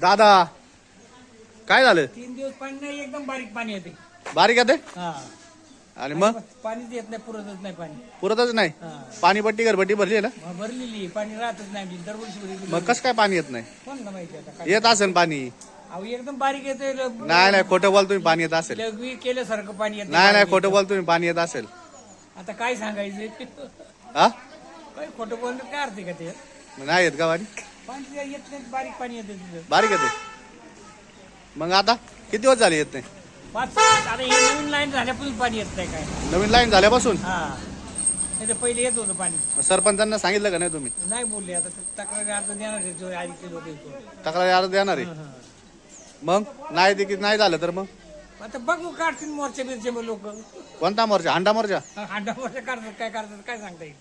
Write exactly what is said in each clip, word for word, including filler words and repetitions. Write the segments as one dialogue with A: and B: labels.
A: दादा काय झालं?
B: तीन दिवस पाणी नाही, एकदम बारीक पाणी येते.
A: बारीक येते
B: हा
A: आणि मग
B: पाणीच येत नाही, पुरतच नाही पाणी.
A: पुरतच नाही.
B: हा
A: पाणीपट्टी घरपट्टी भरली आहे ना?
B: मग भरलेली पाणी राहतच नाही आमची, दरवर्षी भरलेली.
A: मग कसं काय पाणी येत नाही?
B: कोणाला माहिती आता काय.
A: येत असेल पाणी.
B: अहो एकदम बारीक येते.
A: नाही नाही खोटं बोल तुम्ही, पाणी येत असेल.
B: लघवी केल्यासारखं पाणी येत
A: नाही नाही खोटं बोल तुम्ही, पाणी येत असेल.
B: आता काय सांगायचं?
A: हा
B: काय खोटं बोलण्यात काय अर्थ आहे का ते?
A: नाही येत का पाणी?
B: पाणी येत नाही, बारीक पाणी येते तिथं.
A: बारीक येते. मग आता किती दिवस झाले येत नाही?
B: पाच आता हे नवीन लाईन झाल्यापासून पाणी येत नाही. काय
A: नवीन लाईन झाल्यापासून?
B: हा नाही तर पहिले येत होतं पाणी.
A: सरपंचांना सांगितलं का नाही तुम्ही?
B: नाही बोलले. आता तक्रारी अर्ज देणार आहे जो आधीचे लोक येतो.
A: तक्रारी अर्ज देणार आहे. मग नाही ते की नाही झालं तर मग
B: आता बघू काढतील मोर्चे बिरचे मग लोक.
A: कोणता मोर्चा? हांडा मोर्चा?
B: हांडा मोर्चा काढतात, काय काढतात काय सांगता येईल.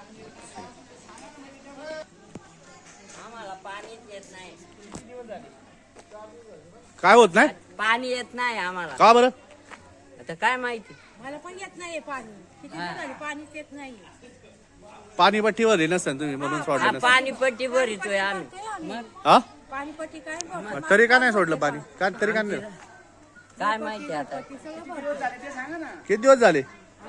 C: आम्हाला पाणीच येत नाही.
A: काय होत नाही?
C: पाणी येत नाही आम्हाला.
A: का बरं?
C: आता काय माहिती.
D: मला पण येत नाही पाणी. किती दिवस झाले पाणीच येत नाही.
A: पाणी पट्टीवर नसेल तुम्ही म्हणून सोडलं
C: हा,
A: नसेल.
C: पाणी पट्टी भरितोय आम्ही.
A: हा
D: पाणीपट्टी काय बघ.
A: मग तरी का नाही सोडलं पाणी? का तरी का नाही?
C: काय माहिती आता.
A: किती दिवस झाले?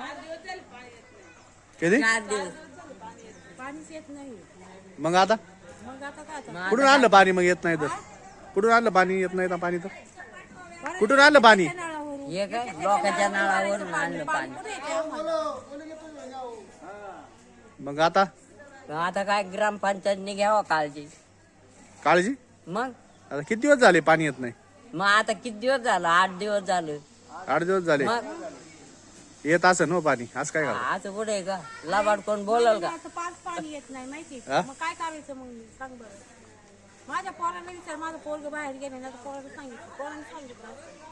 A: किती?
C: चार दिवस.
D: पाणीच येत नाही.
A: मग आता
D: मग आता काय आता?
A: कुठून आणलं पाणी? मग येत नाही तर कुठून आणलं पाणी? येत नाही तर पाणी तर कुठून आणलं पाणी?
D: नळावरून.
C: हे काय लोकांच्या नळावरून आणलं पाणी.
D: कुठे येते आम्हाला?
A: मग आता
C: आता काय ग्रामपंचायतने घ्यावं काळजी.
A: काळजी?
C: मग
A: आता किती दिवस झाले पाणी येत नाही?
C: मग आता किती दिवस झालं? आठ दिवस झालं.
A: आठ दिवस झाले.
C: मग
A: येत असं ना पाणी. आज काय करा?
C: असं कुठे आहे का? लाबाड कोण बोलल का?
D: आता पाच पाणी येत नाही माहिती
A: हा?
D: मग काय करायचं मग सांग बरं. माझ्या पोराला विचार, माझं पोरग बाहेर गेले ना, तर पोराला सांगितलं, पोराने सांगितलं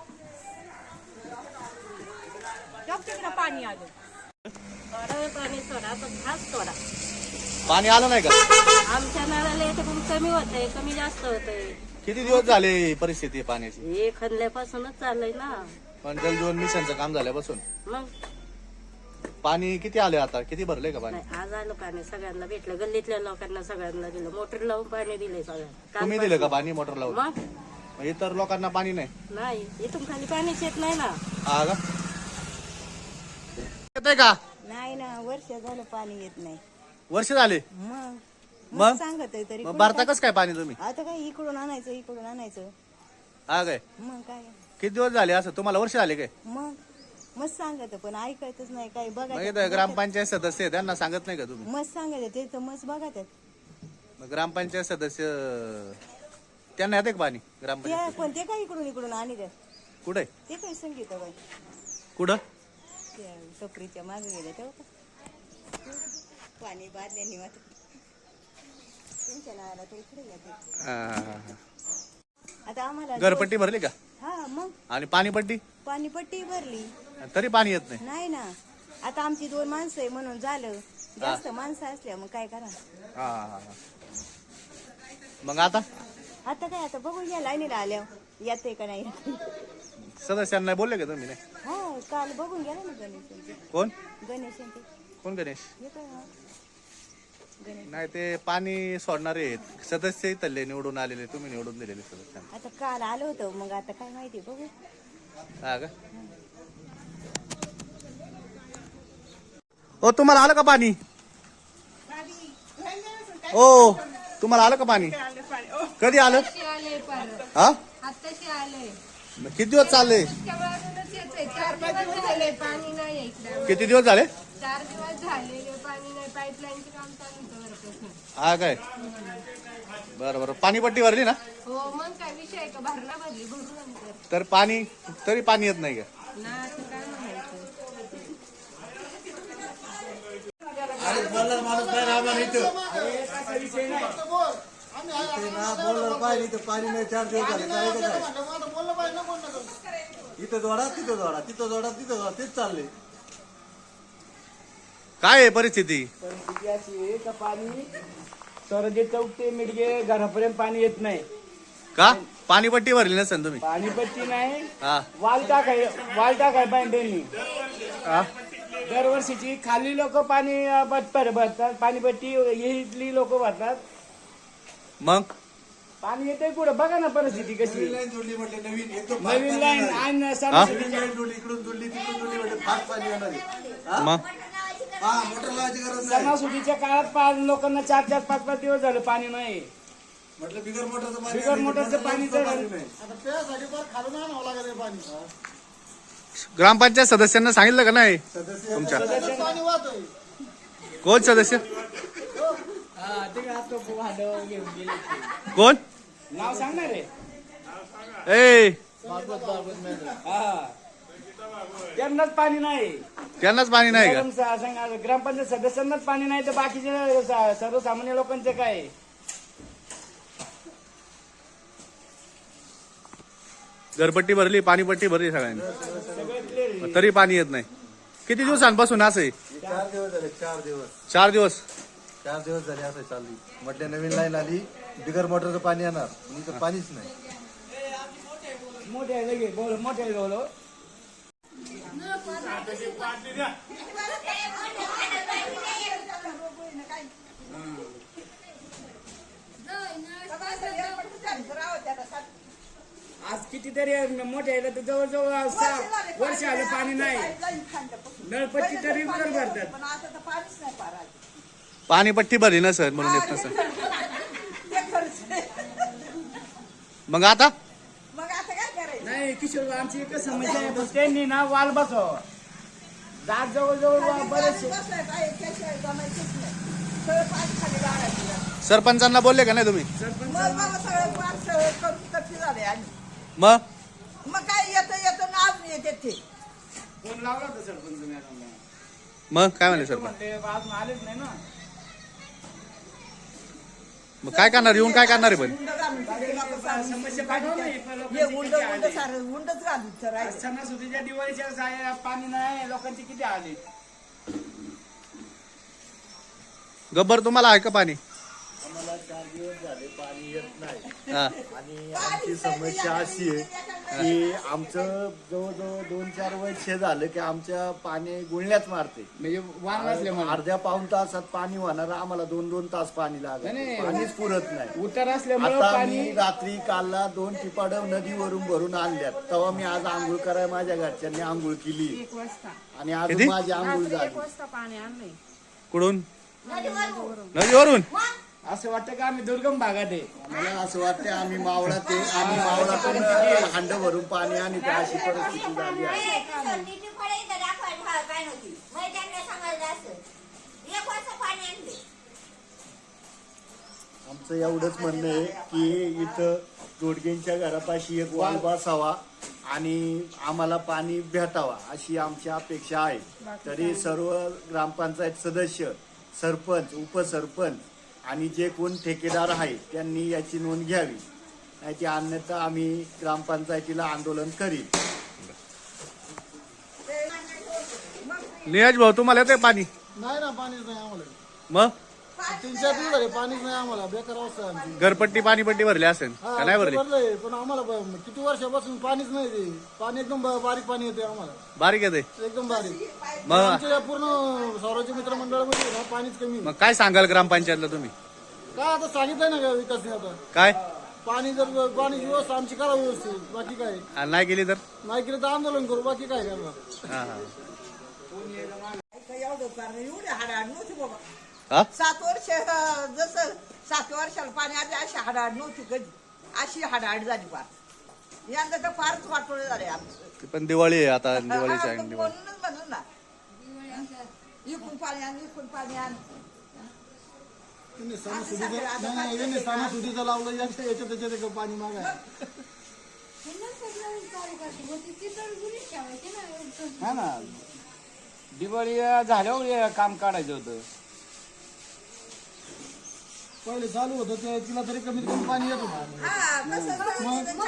D: जग तिकडं पाणी आलं. थोडं पाणी सोडा, पण घास सोडा.
A: पाणी आलं नाही का?
D: आमच्या नळाला येते पण कमी होतंय, कमी जास्त होतंय.
A: किती दिवस झाले ही परिस्थिती आहे पाण्याची?
D: हे खणल्यापासूनच चाललंय ना.
A: पण जल जीवन मिशनचं काम झाल्यापासून
D: मग
A: पाणी किती आले? आता किती भरले का पाणी?
D: नाही, आज आलं पाणी, सगळ्यांना भेटलं, गल्लीतल्या लोकांना सगळ्यांना दिलं, मोटर लावून पाणी दिलंय सगळ्यांना.
A: तुम्ही दिलं का पाणी मोटर लावून?
D: मग
A: मग इतर लोकांना पाणी नाही?
D: नाही, इथून खाली पाणीच येत नाही ना.
A: हा का? येतंय का?
D: नाही ना, वर्ष झालं पाणी येत नाही.
A: वर्ष झाले?
D: मग
A: मग
D: सांगत आहे तरी
A: मग भरता कसं काय पाणी तुम्ही?
D: आता काय इकडून आणायचं, इकडून आणायचं.
A: हा काय?
D: मग काय
A: किती दिवस झाले असं? तुम्हाला वर्ष झाले काय?
D: मग मस्त सांगत पण ऐकायचंच नाही, काही
A: मग
D: बघा.
A: इथं ग्रामपंचायत सदस्य आहे, त्यांना सांगत नाही का तुम्ही?
D: मस्त सांगत ते तर मस्त बघा त्यात.
A: मग ग्रामपंचायत सदस्य त्यांना येते का पाणी?
D: ते
A: ग्रामपंचायत
D: पण ते काय इकडून इकडून आणि द्या,
A: कुठे?
D: ते काही संगीत बाई
A: कुठं?
D: त्या टपरीच्या मागे गेल्या तेव्हा पाणी बादल्याने वाटत त्यांच्या नावाला ते इकडे येते.
A: हा, हा, हा.
D: आता आम्हाला
A: घरपट्टी भरली का?
D: हा मग
A: आणि पाणीपट्टी?
D: पाणीपट्टी भरली
A: तरी पाणी येत नाही?
D: नाही ना. आता आमची दोन माणसं आहे म्हणून झालं, जास्त माणसं असल्या मग काय करा.
A: हा, हा, हा. मग आता
D: आता काय, आता बघून घ्या लाईनीला आल्या येते का नाही.
A: सदस्यांना बोलले का तुम्ही? नाही.
D: हा काल बघून गेला ना गणेश.
A: कोण
D: गणेश
A: कोण गणेश?
D: येतो ना गणेश.
A: नाही ते पाणी सोडणारे आहेत सदस्य इथले निवडून आलेले, तुम्ही निवडून दिलेले सदस्यांना.
D: आता काल आलो होतो, मग आता काय माहिती बघू.
A: हा का? ओ तुम्हाला आलं का पाणी? ओ तुम्हाला आलं का पाणी? कधी आलं? हा
E: आत्ताशी आले.
A: मग किती दिवस चालले?
E: चार दिवस झाले पाणी नाही इकडे.
A: किती दिवस झाले?
E: चार दिवस झाले पाणी नाही. पाईपलाईनचे काम चालू होतं वरपासून.
A: हा काय? बरं बरं. पाणीपट्टी भरली ना?
E: हो मग काय विषय आहे का? भरणा भरली भरू नंतर
A: तर पाणी तरी पाणी येत नाही का?
E: ना असं काय म्हणायचं.
F: पाणी नाही, चार दिवस झाले. करायचं काय? इथं जोडा, तिथं जोडा, तिथं जोडा, तिथं जोडा, तेच चाललंय.
A: काय आहे परिस्थिती?
B: परिस्थिती अशी आहे का पाणी सरजे चौक ते मिडगे घरापर्यंत पाणी येत नाही.
A: का? पाणीपट्टी भरली नसेल तुम्ही?
B: पाणीपट्टी नाही,
A: हा
B: वाल टाकाय वाल टाकाय पाहिजे.
A: हा?
B: दरवर्षीची खाली लोक पाणी भरतात, पाणीपट्टी ही इथली लोक भरतात.
A: मग
B: पाणी येते कुठं बघा ना परिस्थिती कशी
F: नवीन लाईन जोडली म्हटलं नवीन एकदम फास्ट
B: नवीन
F: पाणी
B: लाईन
F: येणार आहे.
B: आणि
A: हा?
B: सणासुदीच्या
F: नवीन लाईन जोडली इकडून जोडली तिकडून जोडली म्हणजे फास्ट पाणी येणार आहे. हा?
A: मग
F: हा मोटर लावायची गरज नाही
B: सणासुदीच्या काळात पाच लोकांना चार चार पाच पाच दिवस झाले पाणी नाही.
F: म्हटलं बिगर मोटरचं पाणी
B: बिगर
F: आणि
B: मोटरचं
F: मोटर
B: पाणी
F: लावून
B: तर-
F: पाणी नाही. आता त्यासाठी फार खालून आणावं लागत आहे पाणी
A: ग्रामपंचायत सदस्यांना सांगितलं का नाही
F: सदस्य
A: तुमच्या
F: पाणी वाहतोय
A: कोण सदस्य
B: हा, ते काय आता भांडं घेऊन गेले ते.
A: कोण
B: नाव सांगणार रे
A: ए
B: हा त्यांनाच पाणी नाही.
A: त्यांनाच पाणी नाही का
B: गरम सा- सांगा, ग्रामपंचायत सदस्यांनाच पाणी नाही तर बाकीचे सा- सर्वसामान्य लोकांचे काय.
A: घरपट्टी भरली पाणीपट्टी भरली सगळ्यांनी
B: सगळं क्लिअर आहे.
A: तरी पाणी येत नाही किती दिवसांपासून असं आहे
F: चार दिवस झाले चार दिवस
A: चार दिवस
F: चार दिवस झाले असं चालली म्हटलं नवीन लाईन आली बिगर मोटरचं पाणी येणार पण इथं पाणीच नाही
B: मोठे आहे लगे बोल मोठे आहे बोलो आज कितीतरी मोठे आहे तर जवळजवळ सहा वर्ष आलं पाणी नाही. नळपट्टी तरी कर भरतात.
D: पण आता तर पाणीच नाही पारा
A: पाणीपट्टी भरली ना सर म्हणून येत नसं
D: ते खर्च
A: मग आता
D: मग आता काय करायचं
B: नाही किशोर आमची एकच समस्या आहे पण त्यांनी ना वाल बसव जात जवळजवळ बरेचसे
D: बसलाय काय त्याशिवाय जमायचंच नाही सगळं पाणी खाली लागायचं
A: सरपंचांना बोलले का नाही तुम्ही
B: सरपंच
D: मग बाबा सगळं पार सगळं करून कपी झाले आणि
A: मग
D: मग काय येतं येतं नाव येते ते
B: फोन लावला होता सरपंच मॅडमला.
A: मग काय म्हणले
B: ते
A: सरपंच
B: म्हणले अजून आलेच नाही ना.
A: मग काय करणार येऊन काय करणार आहे पण
D: उंड घालून तिथे लोकं सारून
B: समस्या पाठवा नाही पण
D: हे
B: लोकांची
D: उंड
B: किती
D: उंड
B: आली.
D: सारं उंडच घालून तर राहायचं
B: सणासुदीच्या दिवाळीच्या साया पाणी नाही लोकांची किती आले.
A: गब्बर तुम्हाला आहे का पाणी
F: आम्हाला चार दिवस झाले पाणी येत नाही
A: हा.
F: आणि आमची समस्या अशी आहे की आमचं जवळजवळ दोन चार वर्ष झालं की आमच्या पाणी गुळण्याच मारते
B: म्हणजे वाण असल्यामुळे
F: अर्ध्या पाऊन तासात पाणी होणार आम्हाला दोन दोन तास पाणी लागत
B: नाही.
F: पाणीच पुरत नाही
B: उतार असल्यामुळे
F: आता
B: पाणी
F: मी रात्री कालला दोन टिपाड नदीवरून भरून आणल्यात तेव्हा मी आज आंघोळ करायला माझ्या घरच्यांनी आंघोळ केली आणि आज
A: किती?
F: माझी आंघोळ झाली
A: कुठून नदीवरून
B: असं वाटतं का आम्ही दुर्गम भागात आहे.
F: मला असं वाटतं आम्ही मावळा ते आम्ही मावळातून हांड भरून पाणी आणि अशी परिस्थिती झाली आहे आमचं एवढंच म्हणणं आहे की इथं जोडगेंच्या घरापाशी एक वाल बसावा आणि आम्हाला पाणी भेटावा अशी आमची अपेक्षा आहे. तरी सर्व ग्रामपंचायत सदस्य सरपंच उपसरपंच आणि जे कोण ठेकेदार आहे त्यांनी याची नोंद घ्यावी नाही ती अन्यथा आम्ही ग्रामपंचायतीला आंदोलन करील.
A: नियाज भाऊ तुम्हाला येते पाणी
F: नाही ना पाणीच नाही आम्हाला
A: मग
F: तीन चार दिवस झाले पाणीच नाही आम्हाला बेकार अवस्था आहे आमची.
A: घरपट्टी पाणीपट्टी भरली असेल का नाही भरली
F: भरलंय, पण आम्हाला ब- किती वर्षापासून पाणीच नाही ते पाणी एकदम ब- बारीक पाणी येते आम्हाला
A: बारीक येते
F: एकदम बारीक
A: मग
F: आमच्या या पूर्ण सौराज्य मित्र मंडळामध्ये ना पाणीच कमी
A: मग काय सांगाल ग्रामपंचायतला तुम्ही
F: काय आता सांगितलंय ना का विकासने आता
A: काय
F: पाणी जर पाणी व्यवस्था आमची करा व्यवस्थित बाकी काय
A: आणि नाही केली तर
F: नाही केलं तर आंदोलन करू बाकी काय करणार.
A: हा हा
D: एवढं पार एवढे हाडाड नव्हती बाबा
A: हा
D: सात वर्ष अं, जसं सात वर्षाला पाणी आली अशी हाडाड नव्हती कधी अशी हाडाड झाली फार यंदा तर फारच वाटोळे झाले आमचं
A: ती पण दिवाळी आहे आता दिवाळीची
D: हा,
A: आहे
D: मग
A: दिवाळी
D: म्हणूनच म्हणून ना इकून पाणी आण इकून पाणी आण
F: त्यांनी सणासुदीचं नाही, नाही, यांनी सणासुदीचं लावलं याच्या याच्या त्याच्यात एक पाणी मागाय
B: हा ना दिवाळी झाल्यावर हे काम काढायचं होतं.
F: पहिले चालू होतं ते तिला तरी कमीत कमी पाणी येत होतं.
D: हा कसं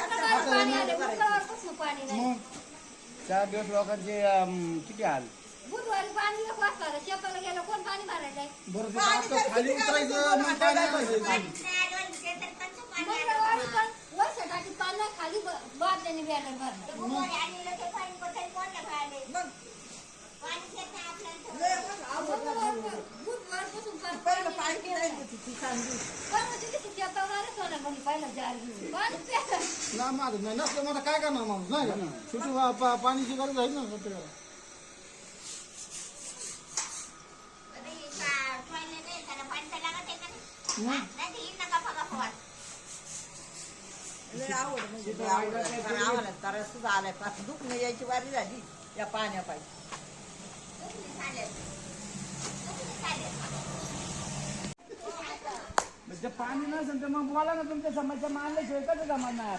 F: मग
B: चार दिवस लोकांचे अं, किती हाल.
G: बुधवारी पाणी नको असणार शेताला गेलं कोण पाणी भरायचंय
F: बरं ते आता खाली उतरायचं मग पाणी पाहिजे
G: मंगळवारी पण वर्षासाठी पाणी खाली बादल्याने बॅनर भरलं बुधवारपासून
D: पहिलं पाणी नाही होती ती चांगली
G: शेतावर सोनं पाणी पाहिलं जार घेऊन पाणी प्यायला.
H: ना माझं नाही नसलं मला काय करणार माणूस नाही का शेवटी पा- पा- पाण्याची गरज आहे ना प्रत्येकाला.
D: लय आवड म्हणजे लय आवड आहे. कारण आम्हाला त्रास सुद्धा आलाय पाच दुखणं यायची वारी झाली या पाण्यापायी.
B: म्हणजे पाणी नसेल तर मग बोला ना तुमच्या समस्या मानल्याशिवाय कसं जमणार.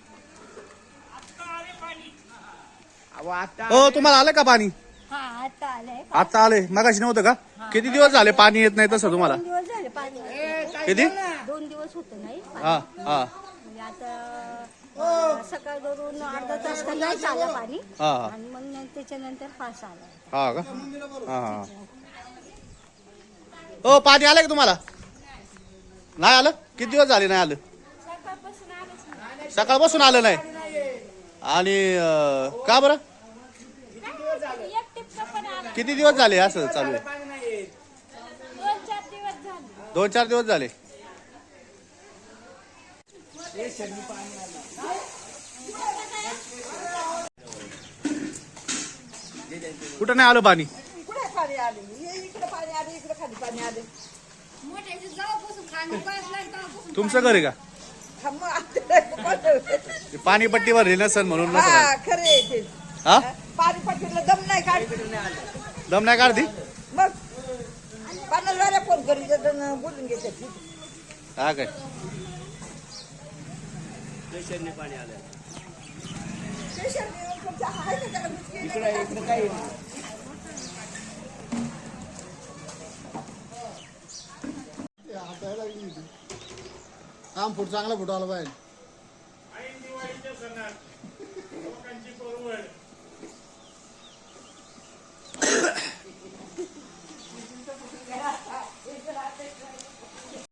B: अहो आता
A: हो तुम्हाला आलं का पाणी
G: हा आता आलंय
A: आता आले मगाशी नव्हतं का किती दिवस झाले पाणी येत नाही तसं तुम्हाला
G: दोन दिवस झाले पाणी
A: किती
G: दोन दिवस होतं नाही पाणी.
A: हा हा
G: म्हणजे आता अं, सकाळ धरून अर्धा तास तर नाही आलं पाणी
A: हा हा
G: आणि मग त्याच्यानंतर फास आला.
A: हा का हा हा हो पाणी आलं का तुम्हाला नाही आलं किती दिवस झाले नाही आलं सकाळपासून आलं नाही आणि अं, का बरं किती दिवस झाले असं चालू आहे
B: पाणी नाही येत.
A: दोन चार दिवस झाले कुठं नाही आलं पाणी
D: कुठे पाणी आले हे इकडे पाणी आले इकडे खाली पाणी आले.
G: मोठ्याची जवळपासून खाली बसला तेव्हापासून
A: तुमचं घर आहे का
D: हा, मग आता कोणतं?
A: ते पाणी पट्टीवर हे नसन म्हणून नसन
D: हा खरे आहे ते.
A: हा
D: पाणी पट्टीला दम नाही काढ
A: दम नाही काढती
D: मग पाण्याला फोन करून देतात बोलून घेतात.
A: हा काय
B: इकडे इकडे काही
H: हातायला लागली होती. आम फूट चांगला फुट आला पाहिजे.